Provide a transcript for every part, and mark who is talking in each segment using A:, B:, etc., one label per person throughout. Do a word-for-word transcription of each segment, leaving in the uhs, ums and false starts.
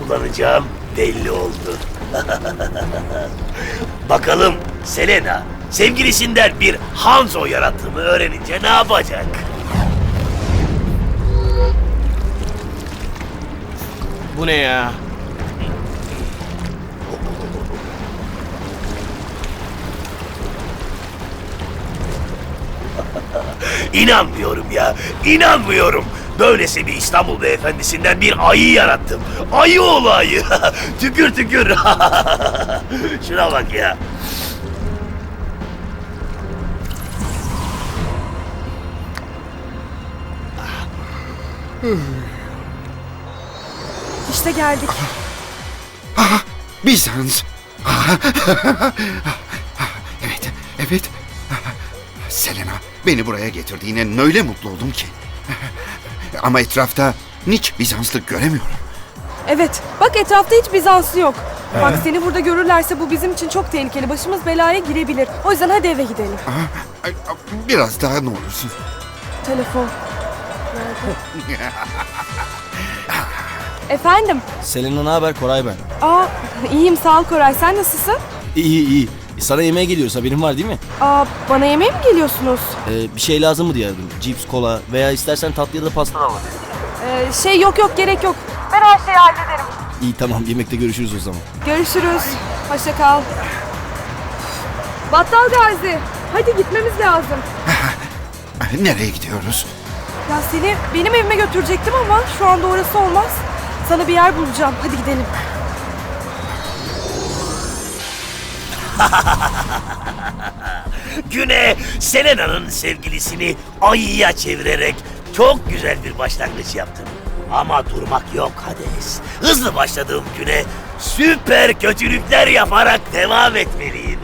A: kullanacağım belli oldu. Bakalım Selena sevgilisinden bir Hanzo yarattığımı öğrenince ne yapacak?
B: Bu ne ya?
A: İnanmıyorum ya, inanmıyorum. Böylesi bir İstanbul beyefendisinden bir ayı yarattım. Ayı oğlu ayı. Tükür tükür. Şuna bak ya.
C: İşte geldik.
D: Bizans. Evet, evet. Selena, beni buraya getirdiğine öyle mutlu oldum ki. Ama etrafta hiç Bizanslı göremiyorum.
C: Evet, bak etrafta hiç Bizanslı yok. Bak seni burada görürlerse bu bizim için çok tehlikeli. Başımız belaya girebilir. O yüzden hadi eve gidelim.
D: Biraz daha ne olursun.
C: Telefon. Efendim?
B: Selena ne haber? Koray ben.
C: Aa, iyiyim sağ ol Koray. Sen nasılsın?
B: İyi iyi. Sana yemeğe geliyoruz, haberin var değil mi?
C: Aa, bana yemeğe mi geliyorsunuz?
B: Ee, bir şey lazım mı diye aradım. Cips, kola veya istersen tatlı ya da pasta da var.
C: Ee, şey yok yok gerek yok. Ben her şeyi hallederim.
B: İyi tamam, yemekte görüşürüz o zaman.
C: Görüşürüz. Hoşça kal. Battal Gazi. Hadi gitmemiz lazım.
D: Nereye gidiyoruz?
C: Ya seni benim evime götürecektim ama şu anda orası olmaz. Sana bir yer bulacağım. Hadi gidelim.
A: Güne Selena'nın sevgilisini ayıya çevirerek çok güzel bir başlangıç yaptım. Ama durmak yok Hades. Hızlı başladığım güne süper kötülükler yaparak devam etmeliyim.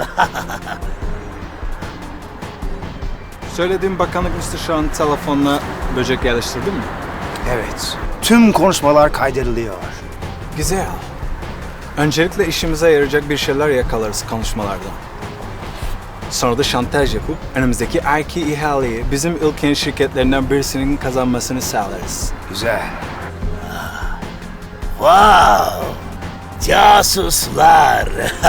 E: Söylediğim bakanlık mister Sean telefonla böcek yerleştirdi mi?
F: Evet. Tüm konuşmalar kaydediliyor.
E: Güzel. Öncelikle işimize yarayacak bir şeyler yakalarız konuşmalardan. Sonra da şantaj yapıp önümüzdeki erki ihaleyi bizim ülkenin şirketlerinden birisinin kazanmasını sağlarız.
F: Güzel.
A: Wow! Casuslar!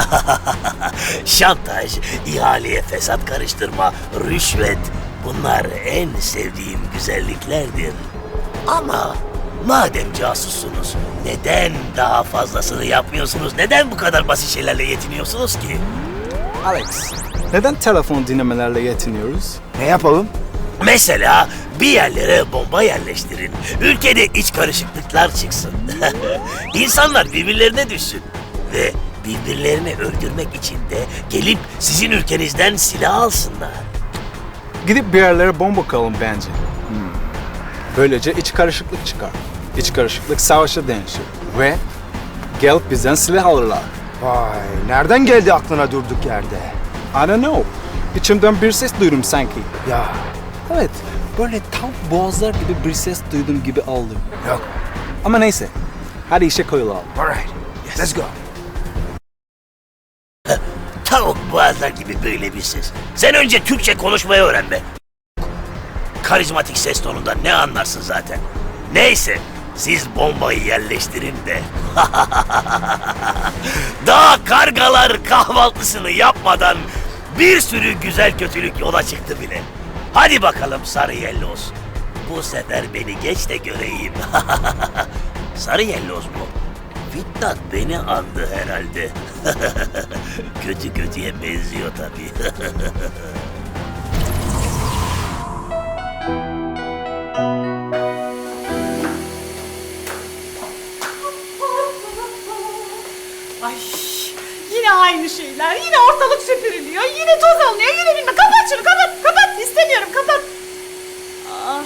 A: Şantaj, ihaleye fesat karıştırma, rüşvet. Bunlar en sevdiğim güzelliklerdir. Ama madem casussunuz, neden daha fazlasını yapmıyorsunuz? Neden bu kadar basit şeylerle yetiniyorsunuz ki?
E: Alex, neden telefon dinlemelerle yetiniyoruz?
F: Ne yapalım?
A: Mesela bir yerlere bomba yerleştirin. Ülkede iç karışıklıklar çıksın. İnsanlar birbirlerine düşsün. Ve birbirlerini öldürmek için de gelip sizin ülkenizden silah alsınlar.
E: Gidip bir yerlere bomba koyalım bence. Hmm. Böylece iç karışıklık çıkar. İç karışıklık savaşa dönüşür. Ve gelip bizden silah alırlar.
F: Vay, nereden geldi aklına durduk yerde?
E: I don't know. İçimden bir ses duydum sanki.
F: Ya,
E: Evet, böyle tam boğazlar gibi bir ses duydum gibi aldım.
F: yok.
E: Ama neyse, hadi işe koyulalım.
F: Alright, let's go.
A: Tavuk boğazlar gibi böyle bir ses. Sen önce Türkçe konuşmayı öğren be. Karizmatik ses tonundan ne anlarsın zaten. Neyse, siz bombayı yerleştirin de. Daha kargalar kahvaltısını yapmadan bir sürü güzel kötülük yola çıktı bile. Hadi bakalım sarı yelloz. Bu sefer beni geç de göreyim. Sarı yelloz mu? Fitnat beni andı herhalde. Kötü kötüye benziyor tabii.
G: Ay yine aynı şeyler. Yine ortalık süpürülüyor. Yine toz alınıyor. Yine bilmem. Kapat şunu kapat. Kapat. İstemiyorum kapat. Aa.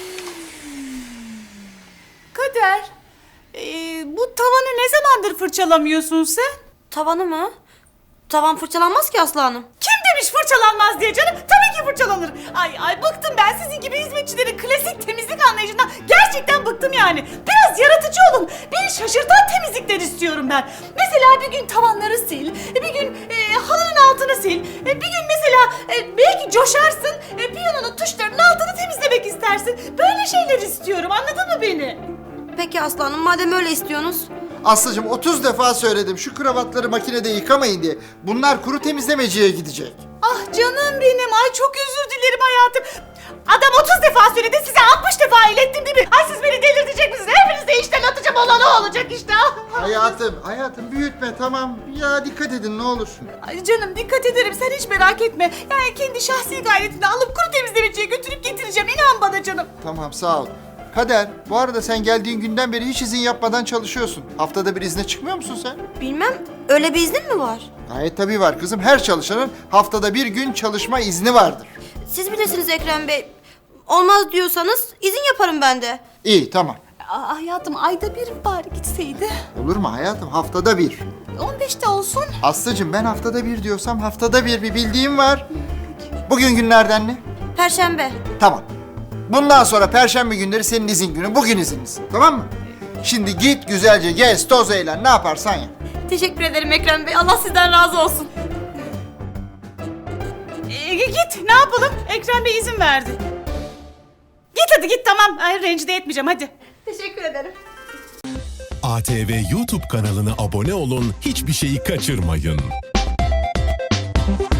G: Kader. ee, bu tavanı ne zamandır fırçalamıyorsun sen?
H: Tavanı mı? Tavan fırçalanmaz ki Aslı Hanım.
G: Kim demiş fırçalanmaz diye canım? Tabii ki fırçalanır. Ay ay bıktım ben sizin gibi hizmetçilerin klasik temizlik anlayışından. Gerçekten bıktım yani. Biraz yaratıcı olun. Beni şaşırtan temizlikler istiyorum ben. Mesela bir gün tavanları sil, bir gün e, halının altını sil, e, bir gün mesela e, belki coşarsın, e, piyanonun tuşlarının altını temizlemek istersin. Böyle şeyler istiyorum, anladın mı beni?
H: Peki Aslı Hanım, madem öyle istiyorsunuz,
I: Aslıcığım otuz defa söyledim şu kravatları makinede yıkamayın diye. Bunlar kuru temizlemeciye gidecek.
G: Ah canım benim. Ay çok özür dilerim hayatım. Adam otuz defa söyledi, size altmış defa ilettim değil mi? Ay siz beni delirtecek misiniz? Hepinizi de işten atacağım, olan o olacak işte.
I: Hayatım, hayatım büyütme tamam. Ya dikkat edin ne olur.
G: Ay canım dikkat ederim, sen hiç merak etme. Yani kendi şahsi gayretini alıp kuru temizlemeciye götürüp getireceğim. İnan bana canım.
I: Tamam sağ ol. Kader, bu arada sen geldiğin günden beri hiç izin yapmadan çalışıyorsun. Haftada bir izne çıkmıyor musun sen?
H: Bilmem, öyle bir iznin mi var?
I: Gayet tabii var kızım. Her çalışanın haftada bir gün çalışma izni vardır.
H: Siz bilirsiniz Ekrem Bey. Olmaz diyorsanız izin yaparım ben de.
I: İyi tamam.
G: Aa, hayatım ayda bir bari gitseydi.
I: Olur mu hayatım? Haftada bir.
G: on beşte olsun.
I: Aslıcığım ben haftada bir diyorsam haftada bir bir bildiğim var. Bugün günlerden ne?
H: Perşembe.
I: Tamam. Bundan sonra perşembe günleri senin izin günün. Bugün izinlisin. Tamam mı? Şimdi git güzelce gez, toz eğlen. Ne yaparsan yap.
H: Teşekkür ederim Ekrem Bey. Allah sizden razı olsun.
G: Ee, git ne yapalım? Ekrem Bey izin verdi. Git hadi git tamam. Ay rencide etmeyeceğim hadi.
H: Teşekkür ederim.
J: A T V YouTube kanalına abone olun, hiçbir şeyi kaçırmayın.